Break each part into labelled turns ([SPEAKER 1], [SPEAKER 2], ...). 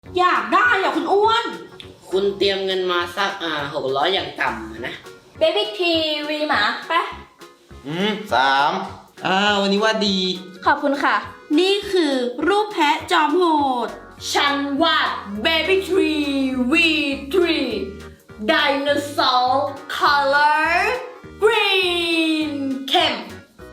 [SPEAKER 1] อยากได้อ่ะคุณอ้วน
[SPEAKER 2] คุณเตรียมเงินมาสัก600อย่างต่ำนะ
[SPEAKER 3] เบบี้ทีวีหมาปะ
[SPEAKER 4] 3วันนี้ว่าดี
[SPEAKER 3] ขอบคุณค่ะ
[SPEAKER 1] นี่คือรูปแพะจอมโหด ฉันวาด Baby Tree V3 Dinosaur Color Green เข้ม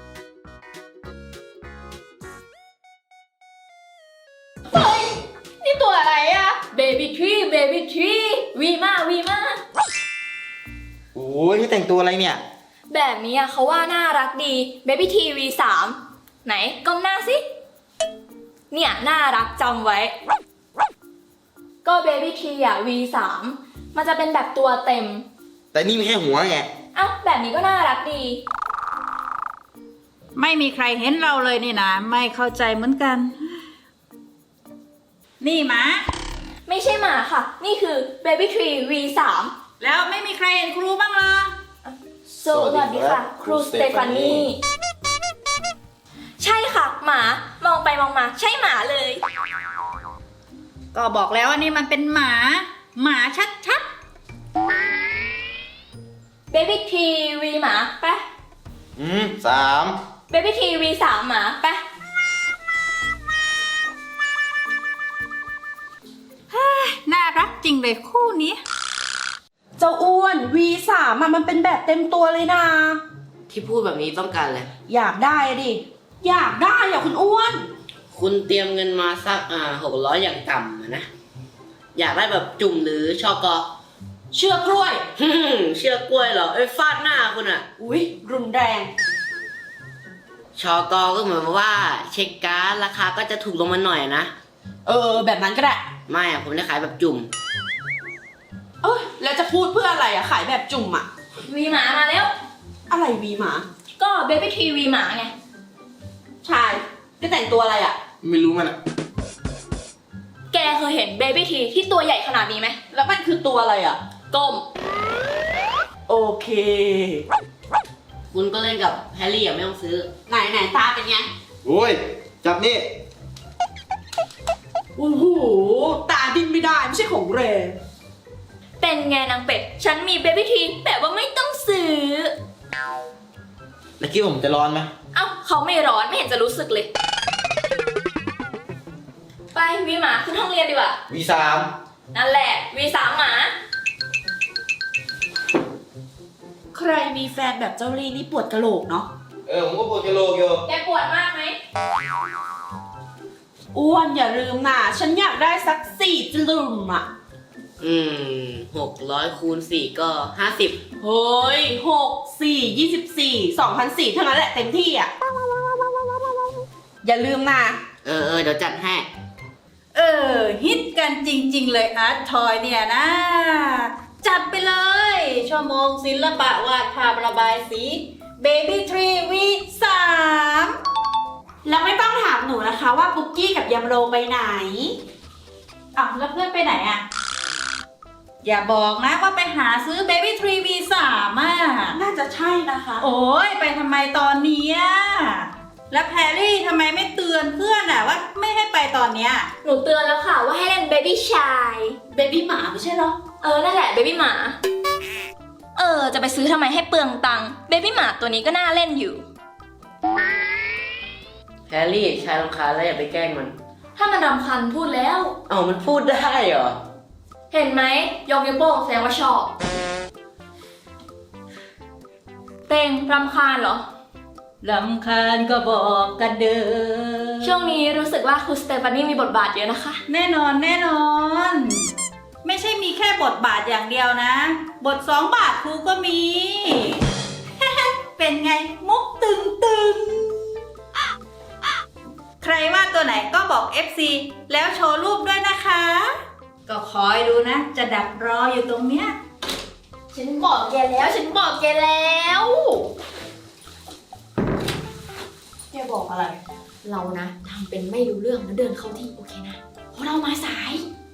[SPEAKER 3] เฮ้ย นี่ตัวอะไรอะเบบี้ทรีวีมา
[SPEAKER 4] โอ้ยนี่แต่งตัวอะไรเนี่ย
[SPEAKER 3] แบบนี้อะเขาว่าน่ารักดีเบบี้ทีวี3ไหนก้มหน้าสิ เนี่ยน่ารักจำไว้ ก็เบบี้ทีอะ V3 มันจะเป็นแบบตัวเต็ม
[SPEAKER 4] แต่นี่มีแค่หัวไง
[SPEAKER 3] เอ้าแบบนี้ก็น่ารักดี
[SPEAKER 5] ไม่มีใครเห็นเราเลยนี่นะไม่เข้าใจเหมือนกัน นี่หมา
[SPEAKER 3] ไม่ใช่หมาค่ะ นี่คือ Baby Tree V3
[SPEAKER 5] แล้วไม่มีใครเห็นครูบ้างเหรอ
[SPEAKER 3] สวัสดีค่ะ ครูสเตฟานีใช่ค่ะ หมามองไปมองมาใช่หมาเลย
[SPEAKER 5] ก็บอกแล้วว่านี่มันเป็นหมา หมาชัด
[SPEAKER 3] Baby Tree V หมาปะ
[SPEAKER 4] 3
[SPEAKER 3] Baby Tree V3 หมาปะ
[SPEAKER 5] ๆน่ารักจริงเลยคู่นี้
[SPEAKER 1] เจ้าอ้วน V3 อ่ะมันเป็นแบบเต็มตัวเลยนะ
[SPEAKER 2] ที่พูดแบบนี้ต้องการอะไร
[SPEAKER 1] อยากได้อะดิ อยากได้อ่ะคุณอ้วน
[SPEAKER 2] คุณเตรียมเงินมาสัก600อย่างต่ำนะ อยากได้แบบจุ่มหรือชอกอ
[SPEAKER 1] เชือกกล้วย
[SPEAKER 2] เชือกกล้วยเหรอฟาดหน้าคุณอะ
[SPEAKER 1] อุ๊ย รุนแรง
[SPEAKER 2] ชอกอก็เหมือนว่าเช็คการ์ดราคาก็จะถูกลงมาหน่อยนะ
[SPEAKER 1] แบบนั้นก็ได้
[SPEAKER 2] ไม่อะผมจะขายแบบจุ่ม
[SPEAKER 1] แล้วจะพูดเพื่ออะไรอ่ะ ขายแบบจุ่มอ่ะ
[SPEAKER 3] V หมามาแล้ว
[SPEAKER 1] อะไรวีหมา
[SPEAKER 3] ก็ Baby Tree V หมาไง
[SPEAKER 1] ชายก็แต่งตัวอะไรอ่ะ
[SPEAKER 4] ไม่รู้มันอะ
[SPEAKER 3] แกเคยเห็น Baby Tree ที่ตัวใหญ่ขนาดนี้ไหม
[SPEAKER 1] แล้วมันคือตัวอะไรอ่ะ
[SPEAKER 3] ก้ม
[SPEAKER 1] โอเค
[SPEAKER 2] คุณก็เล่นกับแฮร์รี่อะไม่ต้องซื้อ
[SPEAKER 1] ไหนตาเป็นไง
[SPEAKER 4] โอ้ย จับนี่
[SPEAKER 1] โอ้โห ตาดิ้นไม่ได้ไม่ใช่ของแรง
[SPEAKER 3] เป็นไงนางเป็ด ฉันมี Baby Tree แบบว่าไม่ต้องซื้อ
[SPEAKER 4] แล้วคิดว่าผมจะร้อนไหม
[SPEAKER 3] เอ้าเขาไม่ร้อนไม่เห็นจะรู้สึกเลย ไปวีหมาขึ้นห้องเรียนดีกว่า
[SPEAKER 4] V3
[SPEAKER 3] นั่นแหละ V3 หมา
[SPEAKER 1] ใครมีแฟนแบบเจ้าลี่นี่ปวดกะโหลกเนาะ
[SPEAKER 4] ผมก็ปวดกระโหลกอยู่
[SPEAKER 3] แกปวดมากไหม
[SPEAKER 1] อ้วนอย่าลืมนะฉันอยากได้สัก4 จลุมอ่ะ
[SPEAKER 2] 600คูณ4ก็50
[SPEAKER 1] เฮ้ย6 4 24 2,400เท่านั้นแหละเต็มที่อ่ะ อย่าลืมนะ
[SPEAKER 2] เดี๋ยวจัดให้
[SPEAKER 5] ฮิตกันจริงๆเลยอาร์ตทอยเนี่ยนะ จัดไปเลย ชั่วโมงศิลปะวาดภาพระบายสี Baby Tree V3
[SPEAKER 1] แล้วไม่ต้องถามหนูนะคะว่าปุ๊กกี้กับยำโรไปไหน
[SPEAKER 5] อ้าวแล้วเพื่อนไปไหนอ่ะ อย่าบอกนะว่าไปหาซื้อ Baby Tree V3 อ่ะ
[SPEAKER 1] น่าจะใช่นะคะ
[SPEAKER 5] โอ้ยไปทำไมตอนเนี้ยแล้วแพรรี่ทำไมไม่เตือนเพื่อนอ่ะว่าไม่ให้ไปตอนเนี้ย
[SPEAKER 3] หนูเตือนแล้วค่ะว่าให้เล่น Baby ชาย
[SPEAKER 1] เบบี้หมาไม่ใช่เหรอ
[SPEAKER 3] นั่นแหละ Baby หมา จะไปซื้อทำไมให้เปลืองตังค์ Baby หมาตัวนี้ก็น่าเล่นอยู่
[SPEAKER 2] แฮร์รี่ชายรำคาญแล้วอย่าไปแกล้งมัน
[SPEAKER 3] ถ้ามันรำคาญพูดแล้ว
[SPEAKER 2] มันพูดได้เหรอ
[SPEAKER 3] เห็นไหมยกนิ้วโป้งแสดงว่าชอบ เต็งรำคาญเหรอ
[SPEAKER 5] รำคาญก็บอกกันเด้อ
[SPEAKER 3] ช่วงนี้รู้สึกว่าครูสเตฟานี่มีบทบาทเยอะนะคะ
[SPEAKER 5] แน่นอน ไม่ใช่มีแค่บทบาทอย่างเดียวนะ บท2 บาทครูก็มี เป็นไงมุกตึงใครว่าตัวไหนก็บอก FC แล้วโชว์รูปด้วยนะคะ ก็คอยดูนะ จะดักรออยู่ตรงเนี้ย
[SPEAKER 3] ฉันบอกแกแล้ว
[SPEAKER 1] แกบอกอะไร
[SPEAKER 3] เรานะทำเป็นไม่รู้เรื่องแล้วเดินเข้าที่โอเคนะ เพราะเรามาสาย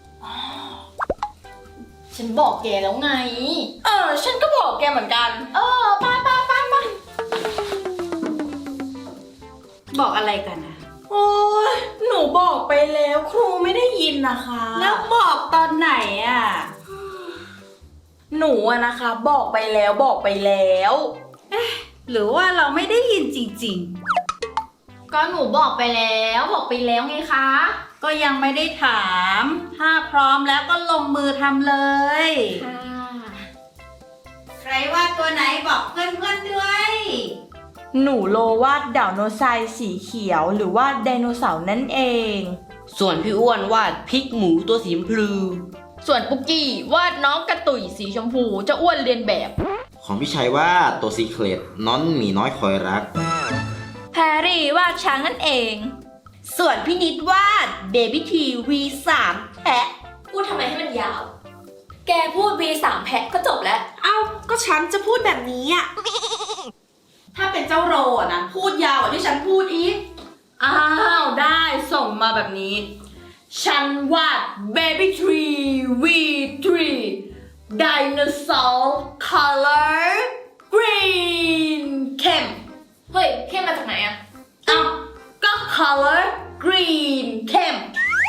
[SPEAKER 3] ฉันบอกแกแล้วไง ฉันก็บอกแกเหมือนกัน ไป
[SPEAKER 5] บอกอะไรกันนะ
[SPEAKER 1] โอ้โอ้ยหนูบอกไปแล้วครูไม่ได้ยินนะคะ
[SPEAKER 5] แล้วบอกตอนไหนอ่ะ
[SPEAKER 1] หนูอะนะคะบอกไปแล้วบอกไปแล้ว
[SPEAKER 5] หรือว่าเราไม่ได้ยินจริง
[SPEAKER 3] ก็หนูบอกไปแล้วไงคะ
[SPEAKER 5] ๆ ก็ยังไม่ได้ถาม ถ้าพร้อมแล้วก็ลงมือทำเลย
[SPEAKER 3] ค่ะ
[SPEAKER 5] ใครวาดตัวไหนบอกเพื่อนๆด้วย
[SPEAKER 1] หนูโลวาดดาวโนไซร์สีเขียวหรือว่าไดโนเสาร์นั่นเอง
[SPEAKER 2] ส่วนพี่อ้วนวาดพริกหมูตัวสีชมพู
[SPEAKER 3] ส่วนปุกกี้วาดน้องกระตุ่ยสีชมพูเจะอ้วนเรียนแบบ
[SPEAKER 4] ของพี่ชัยว่าตัวซีเครตน้องหมีน้อยคอยรัก
[SPEAKER 3] แพรรี่วาดช้างนั่นเอง
[SPEAKER 1] ส่วนพี่นิดวาด Baby T V3 แพะ
[SPEAKER 3] พูดทำไมให้มันยาว แกพูด V3 แพะก็จบแล้ว
[SPEAKER 1] เอ้าก็ฉันจะพูดแบบนี้อะ ถ้าเป็นเจ้าโรอะนะพูดยาวกว่าที่ฉันพูดอีก อ้าวได้ส่งมาแบบนี้ ฉันวาด Baby Tree V3 Dinosaur Color Green เข้ม
[SPEAKER 3] เฮ้ยเข้มมาจากไหนอะ
[SPEAKER 1] เอ้าก็ Color Green เข้ม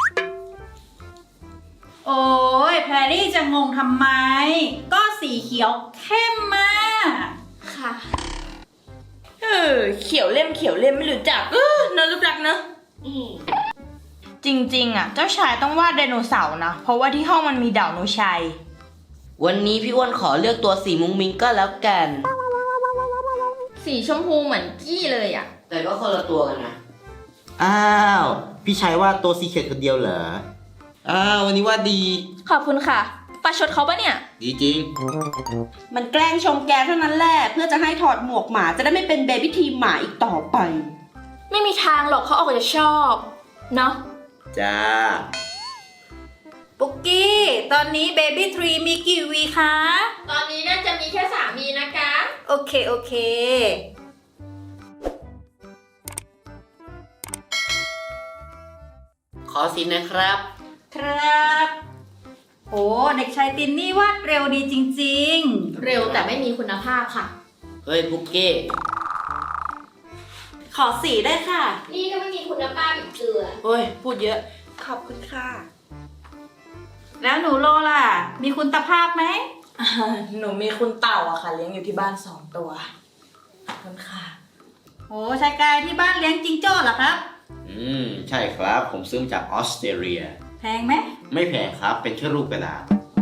[SPEAKER 5] โอ้ยแพรรี่จะงงทำไม ก็สีเขียวเข้มมาก
[SPEAKER 3] ค่ะ
[SPEAKER 1] เขียวเล่มไม่รู้จักเนอะรูปรักเนอะจริงๆอะเจ้าชายต้องวาดไดโนเสาร์นะ เพราะว่าที่ห้องมันมีดาวโนชัย
[SPEAKER 2] วันนี้พี่อ้วนขอเลือกตัวสีมุ้งมิ้งก็แล้วกัน
[SPEAKER 3] สีชมพูเหมือนกี้เลยอะ
[SPEAKER 2] แต่ก็คนละตัวกันนะ
[SPEAKER 4] อ้าว พี่ชัยว่าตัวซีเครตคนเดียวเหรอ อ้าววันนี้ว่าดี
[SPEAKER 3] ขอบคุณค่ะประชดเขาปะเนี่ย
[SPEAKER 4] ดีจริง
[SPEAKER 1] มันแกล้งชมแกเท่านั้นแหละเพื่อจะให้ถอดหมวกหมาจะได้ไม่เป็นเบบี้ทีมหมาอีกต่อไป
[SPEAKER 3] ไม่มีทางหรอกเขาออกจะชอบ เนาะ
[SPEAKER 4] จ้า
[SPEAKER 5] ปุกกี้ ตอนนี้เบบี้ทรีมีกี่วีคะ
[SPEAKER 3] ตอนนี้น่าจะมีแค่3วีนะคะ
[SPEAKER 5] โอเค โอเค
[SPEAKER 2] ขอสีนะครับ
[SPEAKER 5] ครับโอ้เด็กชายตินนี่วาดเร็วดีจริง
[SPEAKER 3] เร็วแต่ไม่มีคุณภาพค่ะ
[SPEAKER 2] เฮ้ยพุกกี้
[SPEAKER 1] ขอสีได้ค่ะ
[SPEAKER 3] นี่ก็ไม่มีคุณภาพอีกเกลือ
[SPEAKER 1] โอ้ยพูดเยอะ ขอบคุณค่ะ
[SPEAKER 5] ๆ แล้วหนูโลล่ะ มีคุณภาพไหม
[SPEAKER 1] หนูมีคุณเต่าอะค่ะ เลี้ยงอยู่ที่บ้าน2 ตัว ขอบคุณค่ะ
[SPEAKER 5] โอ้ชายกายที่บ้านเลี้ยงจิงโจ้เหรอครับ
[SPEAKER 4] ใช่ครับ ผมซื้อมาจากออสเตรเลีย
[SPEAKER 5] แพงไหม
[SPEAKER 4] ไม่แพงครับ เป็นแค่รูปกระดาษ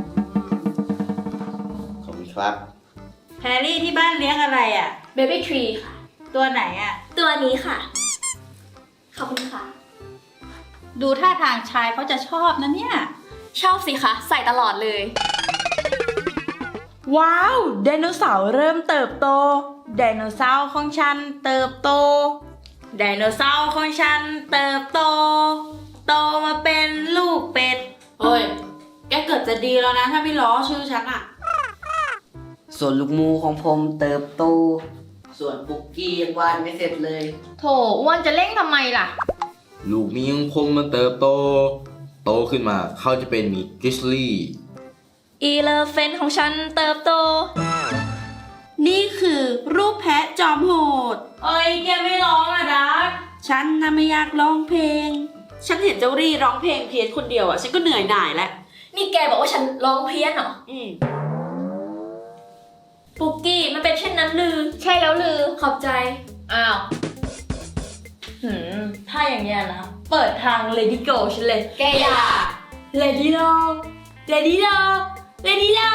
[SPEAKER 4] ขอบคุณครับ
[SPEAKER 5] แพรรี่ที่บ้านเลี้ยงอะไรอ่ะ
[SPEAKER 3] Baby Tree ค่ะ
[SPEAKER 5] ตัวไหนอ่ะ
[SPEAKER 3] ตัวนี้ค่ะ ขอบคุณค่ะ
[SPEAKER 5] ดูท่าทางชายเขาจะชอบนะเนี่ย
[SPEAKER 3] ชอบสิคะ ใส่ตลอดเลย
[SPEAKER 1] ว้าวไดโนเสาร์เริ่มเติบโตไดโนเสาร์ของฉันเติบโตไดโนเสาร์ของฉันเติบโต โตมาเป็นลูกเป็ดเฮ้ยแกเกิดจะดีแล้วนะถ้าไม่ล้อชื่อฉันอะ
[SPEAKER 2] ส่วนลูกหมูของผมเติบโต ส่วนปุกกี้ยังวาดไม่เสร็จเลย
[SPEAKER 3] โถอ้วนจะเร่งทำไมล่ะ
[SPEAKER 4] ลูกมีของผมมันเติบโต โตขึ้นมาเขาจะเป็นหมีกริซลี่
[SPEAKER 3] อีเลฟเฟนของฉันเติบโต
[SPEAKER 1] นี่คือรูปแพะจอมโหดเอ้ยแกไม่ร้องอะดักฉันน่ะไม่อยากร้องเพลง ฉันเห็นเจ้ารี่ร้องเพลงเพี้ยนคนเดียวอะฉันก็เหนื่อยหน่ายแล้ว
[SPEAKER 3] นี่แกบอกว่าฉันร้องเพี้ยนเหรอ ปุกกี้มันเป็นเช่นนั้นลือ ใช่แล้วลือ ขอบใจ อ้าว
[SPEAKER 1] ถ้าอย่างเงี้ยนะ เปิดทาง Lady Go ฉันเลย
[SPEAKER 3] แกอย่า
[SPEAKER 1] Lady Go Lady Go Lady Go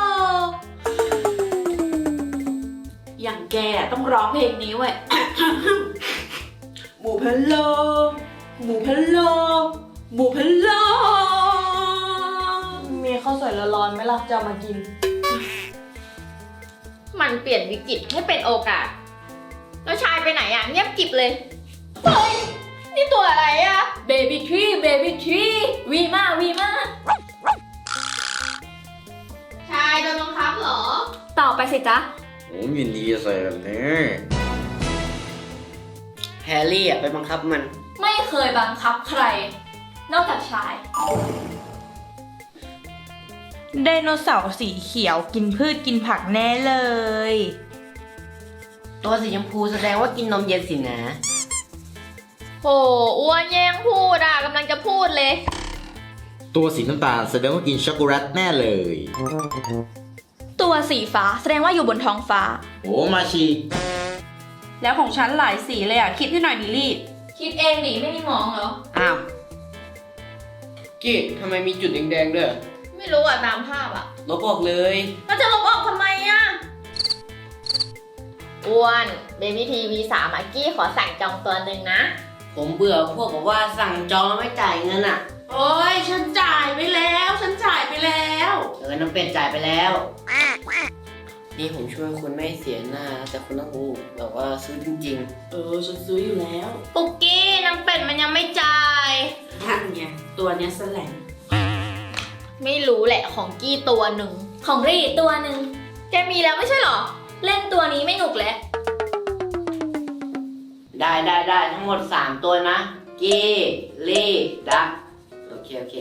[SPEAKER 1] อย่างแกต้องร้องเพลงนี้เว้ย หมูพะโลหมูพะโลหมูพะโลมีข้าวสวยร้อนๆไหมล่ะจะเอามากิน
[SPEAKER 3] มันเปลี่ยนวิกฤตให้เป็นโอกาส แล้วชายไปไหนอ่ะ เงียบกริบเลย เฮ้ย นี่ตัวอะไรอ่ะ Baby Tree Baby Tree วีมาวีมาชายโดนบังคับเหรอ ต่อไปสิจ๊ะ
[SPEAKER 4] ผมยินดีจะใส่แบบนี้
[SPEAKER 2] แฮร์รี่อะไปบังคับมัน
[SPEAKER 3] ไม่เคยบังคับใคร นอกจากชาย
[SPEAKER 1] ไดโนเสาร์สีเขียวกินพืชกินผักแน่เลย
[SPEAKER 2] ตัวสีชมพูแสดงว่ากินนมเย็นสินะ
[SPEAKER 3] โหอ้วนแย่งพูดอ่ะกำลังจะพูดเลย
[SPEAKER 4] ตัวสีน้ำตาลแสดงว่ากินช็อกโกแลตแน่เลย
[SPEAKER 3] ตัวสีฟ้าแสดงว่าอยู่บนท้องฟ้า
[SPEAKER 4] โอ้มาชี
[SPEAKER 1] แล้วของฉันหลายสีเลยอ่ะ คิดให้หน่อยดิลี่
[SPEAKER 3] คิดเองดิไม่มีมองเหรอ
[SPEAKER 2] อ้าวกี้ทำไมมีจุดแดงๆด้วย
[SPEAKER 3] ไม่รู้อ่ะตามภาพอ่ะ
[SPEAKER 2] ลบออกเลย
[SPEAKER 3] เราจะลบออกทำไมอ่ะอ้วนเบบี้ทีวี3อ่ะกี้ขอสั่งจองตัวหนึ่งนะ
[SPEAKER 2] ผมเบื่อพวกบอกว่าสั่งจองแล้วไม่จ่ายเงินอ่ะ
[SPEAKER 1] โอ้ยฉันจ่ายไปแล้ว ฉันจ่ายไปแล้ว
[SPEAKER 2] น้ำเป็ดจ่ายไปแล้ว นี่ผมช่วยคุณไม่ให้เสียหน้า แต่คุณต้องแบบว่าซื้อจริง
[SPEAKER 1] ฉันซื้ออยู่แล้ว
[SPEAKER 3] ปุกกี้น้ำเป็ดมันยังไม่จ่าย
[SPEAKER 1] นั่นไง ตัวเนี้ยแสลง
[SPEAKER 3] ไม่รู้แหละของกี้ตัวหนึ่งของรีตัวหนึ่งแกมีแล้วไม่ใช่เหรอ เล่นตัวนี้ไม่หนุกแล้ว
[SPEAKER 2] ๆ ได้ทั้งหมด 3 ตัวนะ กี้ลี่ดักโอเค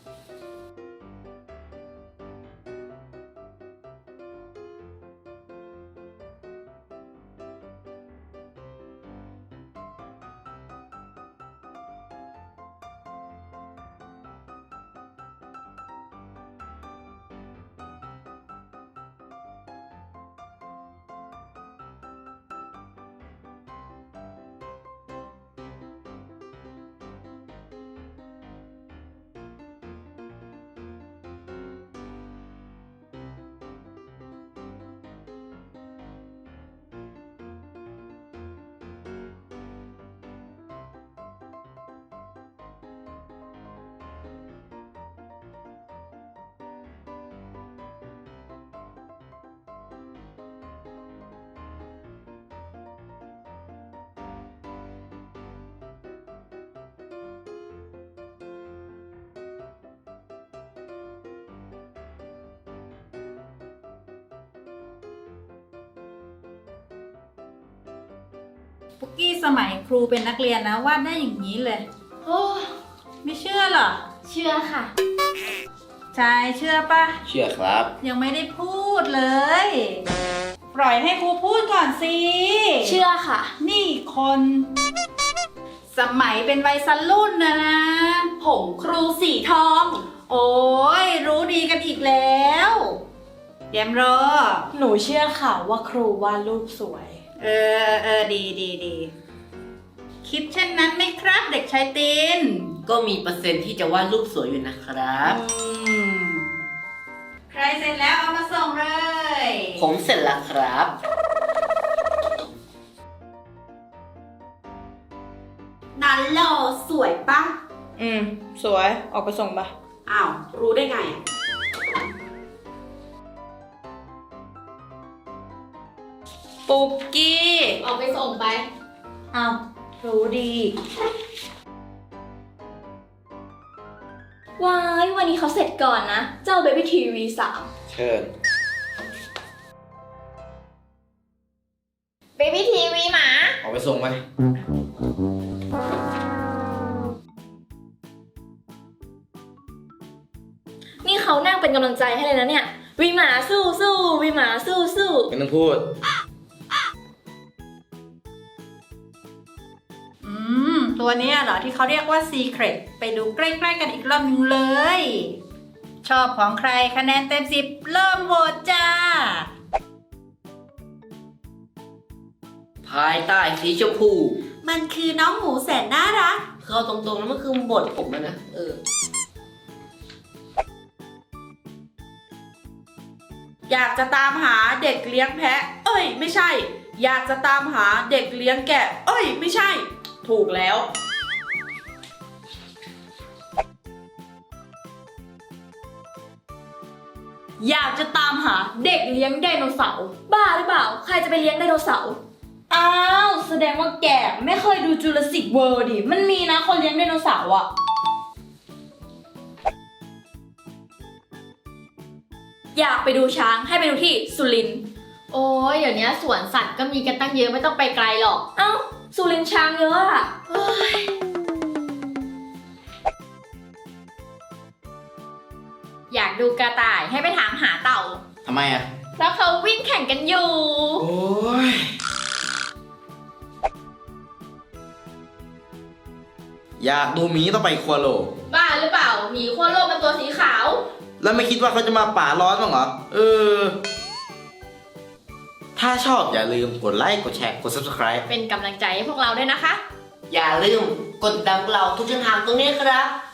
[SPEAKER 5] ปุกกี้สมัยครูเป็นนักเรียนนะวาดได้อย่างนี้เลย
[SPEAKER 3] โอ้
[SPEAKER 5] ไม่เชื่อเหรอ
[SPEAKER 3] เชื่อค่ะ
[SPEAKER 5] ชายเชื่อปะ
[SPEAKER 4] เชื่อครับ
[SPEAKER 5] ยังไม่ได้พูดเลย ปล่อยให้ครูพูดก่อนสิ
[SPEAKER 3] เชื่อค่ะ
[SPEAKER 5] นี่คน สมัยเป็นวัยรุ่นนะ
[SPEAKER 1] ผมครูสีทอง
[SPEAKER 5] โอ้ยรู้ดีกันอีกแล้วเดี๋ยวรอ
[SPEAKER 1] หนูเชื่อค่ะว่าครูวาดรูปสวย
[SPEAKER 5] ดี คิดเช่นนั้นไหมครับเด็กชายตีน
[SPEAKER 2] ก็มีเปอร์เซ็นต์ที่จะวาดรูปสวยอยู่นะครับ
[SPEAKER 5] ใครเสร็จแล้วเอามาส่งเลย
[SPEAKER 2] ผมเสร็จแล้วครับ
[SPEAKER 1] นั้นโลสวยปะสวย ออกไปส่งปะอ้าว รู้ได้ไง ปุกกี้
[SPEAKER 3] ออกไปส่งไป
[SPEAKER 1] อ้าว รู้ดี
[SPEAKER 3] ว้ายวันนี้เขาเสร็จก่อนนะ เจ้า Baby TV 3
[SPEAKER 4] เชิญ
[SPEAKER 3] Baby TV หมา
[SPEAKER 4] ออกไปส่งไป
[SPEAKER 3] นี่เขานั่งเป็นกำลังใจให้เลยนะเนี่ย วีหมาสู้สู้วีหมาสู้สู้
[SPEAKER 4] ไม่ต้องพูด
[SPEAKER 5] ตัวเนี้ยเหรอที่เขาเรียกว่า Secret ไปดูใกล้ๆกันอีกรอบนึงเลย ชอบของใครคะแนนเต็ม 10 เริ่มโหวตจ้า
[SPEAKER 2] ภายใต้สีชมพู
[SPEAKER 1] มันคือน้องหมูแสนน่ารัก
[SPEAKER 2] เข้าตรงๆแล้วมันคือบทผมนะ
[SPEAKER 1] อยากจะตามหาเด็กเลี้ยงแพะ เอ้ย ไม่ใช่ อยากจะตามหาเด็กเลี้ยงแกะ เอ้ย ไม่ใช่ ถูกแล้ว
[SPEAKER 3] อยากจะตามหาเด็กเลี้ยงไดโนเสาร์บ้าหรือเปล่า ใครจะไปเลี้ยงไดโนเสาร์
[SPEAKER 1] อ้าว แสดงว่าแกไม่เคยดูจูราสสิกเวิลด์ดิ มันมีนะคนเลี้ยงไดโนเสาร์อะ
[SPEAKER 3] อยากไปดูช้างให้ไปดูที่สุรินทร์โอ้ยเดี๋ยวนี้สวนสัตว์ก็มีกันตั้งเยอะไม่ต้องไปไกลหรอก เอ้าสุรินทร์ช้างเยอะอะเฮ้ยอยากดูกระต่ายให้ไปถามหาเต่า
[SPEAKER 4] ทำไมอ่ะ
[SPEAKER 3] แล้วเขาวิ่งแข่งกันอยู่
[SPEAKER 4] โอ้ยอยากดูหมีต้องไปขั้วโลก
[SPEAKER 3] บ้าหรือเปล่าหมีขั้วโลกเป็นตัวสีขาว
[SPEAKER 4] แล้วไม่คิดว่าเขาจะมาป่าร้อนบ้างเหรอ ถ้าชอบอย่าลืมกดไลค์ กดแชร์ กด subscribe
[SPEAKER 3] เป็นกำลังใจให้พวกเราด้วยนะคะ
[SPEAKER 2] อย่าลืมกดติดตามพวกเราทุกช่องทางตรงนี้ครับ